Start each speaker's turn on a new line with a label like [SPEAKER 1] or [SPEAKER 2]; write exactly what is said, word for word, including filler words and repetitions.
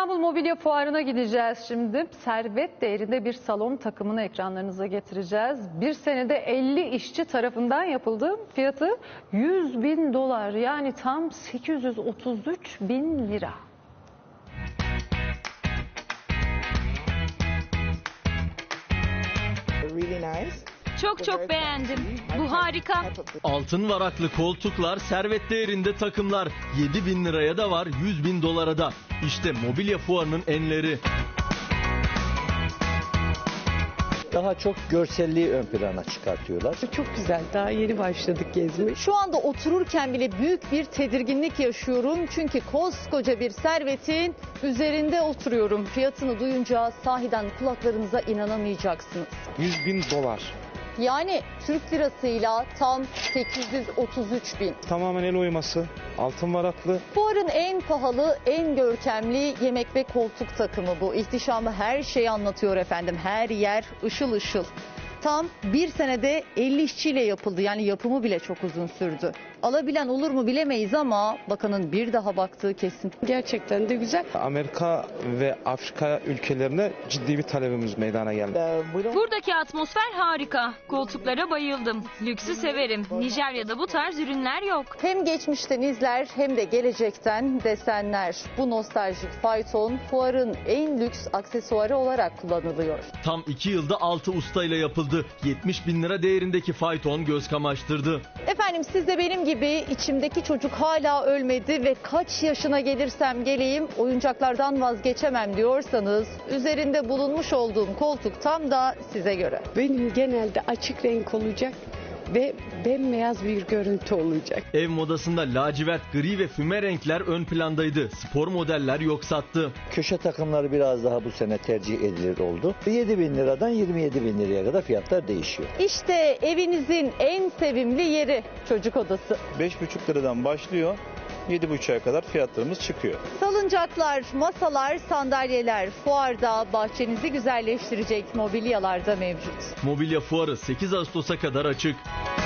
[SPEAKER 1] İstanbul Mobilya Fuarı'na gideceğiz şimdi. Servet değerinde bir salon takımını ekranlarınıza getireceğiz. Bir senede elli işçi tarafından yapıldı. Fiyatı yüz bin dolar, yani tam sekiz yüz otuz üç bin lira.
[SPEAKER 2] Çok çok beğendim. Bu harika.
[SPEAKER 3] Altın varaklı koltuklar, servet değerinde takımlar. yedi bin liraya da var, yüz bin dolara da. İşte mobilya fuarının enleri.
[SPEAKER 4] Daha çok görselliği ön plana çıkartıyorlar.
[SPEAKER 5] Çok güzel. Daha yeni başladık gezmeye.
[SPEAKER 6] Şu anda otururken bile büyük bir tedirginlik yaşıyorum. Çünkü koskoca bir servetin üzerinde oturuyorum. Fiyatını duyunca sahiden kulaklarınıza inanamayacaksınız.
[SPEAKER 7] yüz bin dolar.
[SPEAKER 6] Yani Türk lirasıyla tam sekiz yüz otuz üç bin.
[SPEAKER 7] Tamamen el oyması, altın varaklı.
[SPEAKER 6] Fuarın en pahalı, en görkemli yemek ve koltuk takımı bu. İhtişamı her şeyi anlatıyor efendim. Her yer ışıl ışıl. Tam bir senede elli işçiyle yapıldı. Yani yapımı bile çok uzun sürdü. Alabilen olur mu bilemeyiz ama bakanın bir daha baktığı kesin.
[SPEAKER 5] Gerçekten de güzel.
[SPEAKER 7] Amerika ve Afrika ülkelerine ciddi bir talebimiz meydana geldi.
[SPEAKER 2] Buradaki atmosfer harika. Koltuklara bayıldım. Lüksü severim. Nijerya'da bu tarz ürünler yok.
[SPEAKER 6] Hem geçmişten izler hem de gelecekten desenler. Bu nostaljik fayton fuarın en lüks aksesuarı olarak kullanılıyor.
[SPEAKER 3] Tam iki yılda altı ustayla yapıldı. yetmiş bin lira değerindeki fayton göz kamaştırdı.
[SPEAKER 6] Efendim, siz de benim gibi içimdeki çocuk hala ölmedi ve kaç yaşına gelirsem geleyim oyuncaklardan vazgeçemem diyorsanız üzerinde bulunmuş olduğum koltuk tam da size göre.
[SPEAKER 5] Benim genelde açık renk olacak ve bembeyaz bir görüntü olacak.
[SPEAKER 3] Ev modasında lacivert, gri ve füme renkler ön plandaydı. Spor modeller yok sattı.
[SPEAKER 4] Köşe takımları biraz daha bu sene tercih edilir oldu. yedi bin liradan yirmi yedi bin liraya kadar fiyatlar değişiyor.
[SPEAKER 6] İşte evinizin en sevimli yeri, çocuk odası.
[SPEAKER 8] beş buçuk liradan başlıyor, yedi buçuğa kadar fiyatlarımız çıkıyor.
[SPEAKER 6] Salıncaklar, masalar, sandalyeler fuarda bahçenizi güzelleştirecek mobilyalarda mevcut.
[SPEAKER 3] Mobilya fuarı sekiz Ağustos'a kadar açık.